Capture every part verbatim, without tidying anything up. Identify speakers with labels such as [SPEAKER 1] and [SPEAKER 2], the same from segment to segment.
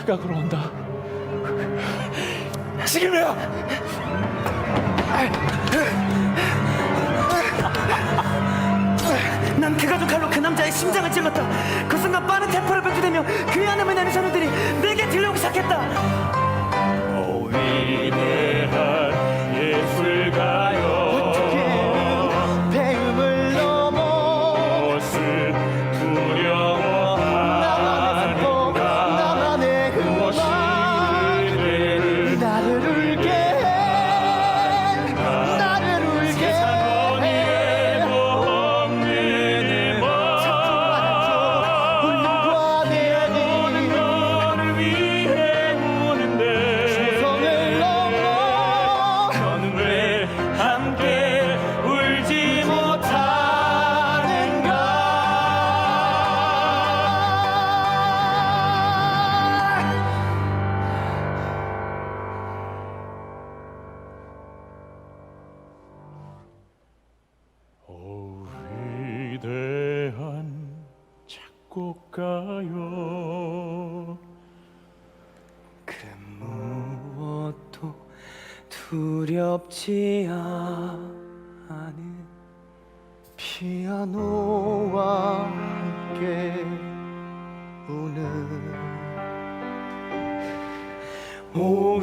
[SPEAKER 1] 그가 걸어온다. 지금이야.
[SPEAKER 2] 난 그 가죽 칼로 그 남자의 심장을 찔렀다. 그 순간 빠른 템포를 뱉어대며 그의 안음을 내는 선우들이 내게 들려오기 시작했다.
[SPEAKER 1] 오 위대한 예술가여,
[SPEAKER 2] 배움을 넘어
[SPEAKER 1] 무엇을 두려워하는가.
[SPEAKER 2] 나만의
[SPEAKER 1] 무엇이 그대를
[SPEAKER 2] 나를 울게 해. 나를 울게
[SPEAKER 1] 세상
[SPEAKER 2] 해.
[SPEAKER 1] 어디에도 없는 음악.
[SPEAKER 2] 울림과
[SPEAKER 1] 모든
[SPEAKER 2] 내음이
[SPEAKER 1] 너를 위해 우는데
[SPEAKER 2] 성을 넘어
[SPEAKER 1] 너는 왜 함께 울지
[SPEAKER 2] 못하는가.
[SPEAKER 1] 오 위대한 작곡가여,
[SPEAKER 2] 그 무엇도 두렵지 않은 피아노와 함께 우는 오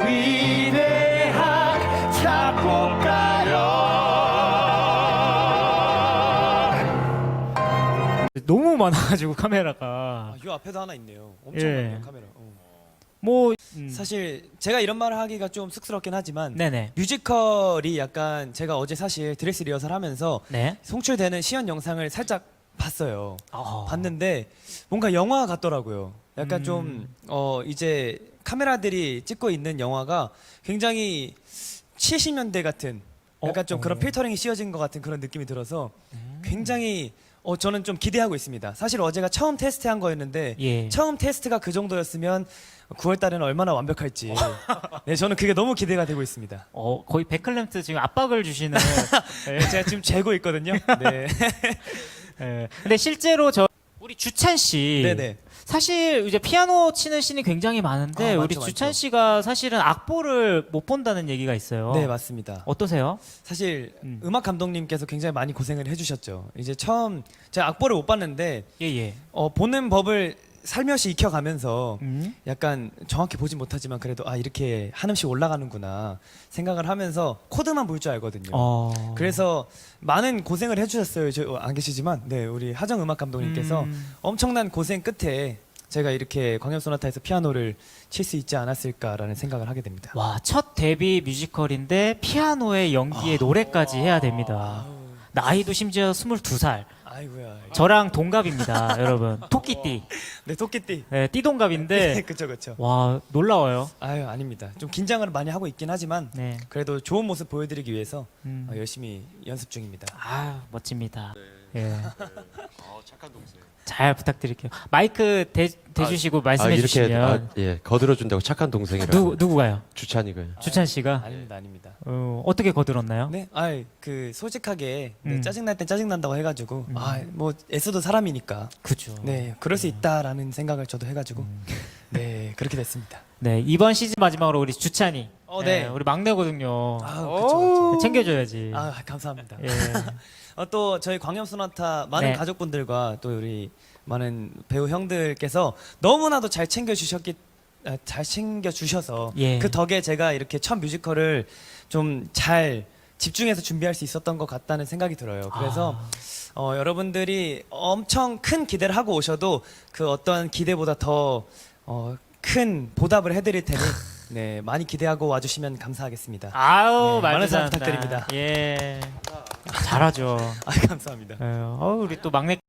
[SPEAKER 2] 위대한 작곡가여.
[SPEAKER 3] 너무 많아가지고 카메라가
[SPEAKER 4] 아, 요 앞에도 하나 있네요. 엄청
[SPEAKER 3] 예.
[SPEAKER 4] 많네요 카메라. 어.
[SPEAKER 3] 뭐 음.
[SPEAKER 4] 사실 제가 이런 말을 하기가 좀 쑥스럽긴 하지만
[SPEAKER 3] 네네
[SPEAKER 4] 뮤지컬이 약간 제가 어제 사실 드레스 리허설 하면서
[SPEAKER 3] 네
[SPEAKER 4] 송출되는 시연 영상을 살짝 봤어요.
[SPEAKER 3] 어.
[SPEAKER 4] 봤는데 뭔가 영화 같더라고요. 약간
[SPEAKER 3] 음.
[SPEAKER 4] 좀 어 이제 카메라들이 찍고 있는 영화가 굉장히 칠십 년대 같은 약간
[SPEAKER 3] 어?
[SPEAKER 4] 좀 그런
[SPEAKER 3] 어.
[SPEAKER 4] 필터링이 씌워진 것 같은 그런 느낌이 들어서
[SPEAKER 3] 음.
[SPEAKER 4] 굉장히 어 저는 좀 기대하고 있습니다. 사실 어제가 처음 테스트한 거였는데
[SPEAKER 3] 예.
[SPEAKER 4] 처음 테스트가 그 정도였으면 구월 달에는 얼마나 완벽할지 네 저는 그게 너무 기대가 되고 있습니다.
[SPEAKER 3] 어 거의 백클램트 지금 압박을 주시는 예.
[SPEAKER 4] 네, 제가 지금 재고 있거든요. 네.
[SPEAKER 3] 예. 근데 실제로 저 우리 주찬 씨
[SPEAKER 4] 네네.
[SPEAKER 3] 사실 이제 피아노 치는 씬이 굉장히 많은데
[SPEAKER 4] 아,
[SPEAKER 3] 우리
[SPEAKER 4] 많죠,
[SPEAKER 3] 주찬
[SPEAKER 4] 많죠.
[SPEAKER 3] 씨가 사실은 악보를 못 본다는 얘기가 있어요.
[SPEAKER 4] 네 맞습니다.
[SPEAKER 3] 어떠세요?
[SPEAKER 4] 사실
[SPEAKER 3] 음.
[SPEAKER 4] 음. 악 감독님께서 굉장히 많이 고생을 해주셨죠. 이제 처음 제가 악보를 못 봤는데
[SPEAKER 3] 예예.
[SPEAKER 4] 어, 보는 법을 살며시 익혀가면서
[SPEAKER 3] 음.
[SPEAKER 4] 약간 정확히 보진 못하지만 그래도 아 이렇게 한음씩 올라가는구나 생각을 하면서 코드만 볼 줄 알거든요.
[SPEAKER 3] 어.
[SPEAKER 4] 그래서 많은 고생을 해주셨어요. 저 안 계시지만 네 우리 하정 음악 감독님께서
[SPEAKER 3] 음.
[SPEAKER 4] 엄청난 고생 끝에 제가 이렇게 광염 소나타에서 피아노를 칠 수 있지 않았을까라는 생각을 하게 됩니다.
[SPEAKER 3] 와, 첫 데뷔 뮤지컬인데 피아노에 연기에 노래까지 해야 됩니다. 나이도 심지어 스물두 살.
[SPEAKER 4] 아이고야.
[SPEAKER 3] 저랑 동갑입니다, 여러분. 토끼띠.
[SPEAKER 4] 네 토끼띠.
[SPEAKER 3] 네, 띠동갑인데
[SPEAKER 4] 네 그쵸 그쵸.
[SPEAKER 3] 와, 놀라워요.
[SPEAKER 4] 아유 아닙니다. 좀 긴장을 많이 하고 있긴 하지만
[SPEAKER 3] 네.
[SPEAKER 4] 그래도 좋은 모습 보여드리기 위해서
[SPEAKER 3] 음.
[SPEAKER 4] 어, 열심히 연습 중입니다.
[SPEAKER 3] 아, 멋집니다. 예.
[SPEAKER 5] 어, 착한 동생.
[SPEAKER 3] 잘 부탁드릴게요. 마이크 대, 대주시고 말씀해
[SPEAKER 5] 이렇게
[SPEAKER 3] 주시면
[SPEAKER 5] 아, 예 거들어 준다고 착한 동생이라고.
[SPEAKER 3] 누구 누구가요?
[SPEAKER 5] 주찬이가요.
[SPEAKER 3] 주찬 씨가
[SPEAKER 4] 아닙니다 아닙니다.
[SPEAKER 3] 어, 어떻게 거들었나요?
[SPEAKER 4] 네, 아그 솔직하게 네,
[SPEAKER 3] 음.
[SPEAKER 4] 짜증 날 땐 짜증 난다고 해가지고
[SPEAKER 3] 음.
[SPEAKER 4] 아 뭐 애써도 사람이니까
[SPEAKER 3] 그죠.
[SPEAKER 4] 네 그럴 수 있다라는 생각을 저도 해가지고 네 그렇게 됐습니다.
[SPEAKER 3] 네, 이번 시즌 마지막으로 우리 주찬이.
[SPEAKER 4] 어, 네.
[SPEAKER 3] 우리 막내거든요.
[SPEAKER 4] 아 그쵸 그쵸.
[SPEAKER 3] 챙겨줘야지.
[SPEAKER 4] 아 감사합니다.
[SPEAKER 3] 예.
[SPEAKER 4] 어, 또 저희 광염 소나타 많은
[SPEAKER 3] 네.
[SPEAKER 4] 가족분들과 또 우리 많은 배우 형들께서 너무나도 잘 챙겨 주셨기 아, 잘 챙겨 주셔서
[SPEAKER 3] 예.
[SPEAKER 4] 그 덕에 제가 이렇게 첫 뮤지컬을 좀 잘 집중해서 준비할 수 있었던 것 같다는 생각이 들어요. 그래서
[SPEAKER 3] 아.
[SPEAKER 4] 어, 여러분들이 엄청 큰 기대를 하고 오셔도 그 어떤 기대보다 더 어, 큰 보답을 해드릴 테니 네 많이 기대하고 와주시면 감사하겠습니다.
[SPEAKER 3] 아우,
[SPEAKER 4] 네,
[SPEAKER 3] 말도
[SPEAKER 4] 많은 사랑
[SPEAKER 3] 잘한다.
[SPEAKER 4] 부탁드립니다.
[SPEAKER 3] 예. 잘하죠.
[SPEAKER 4] 아 감사합니다.
[SPEAKER 3] 예. 어, 우리 또 막내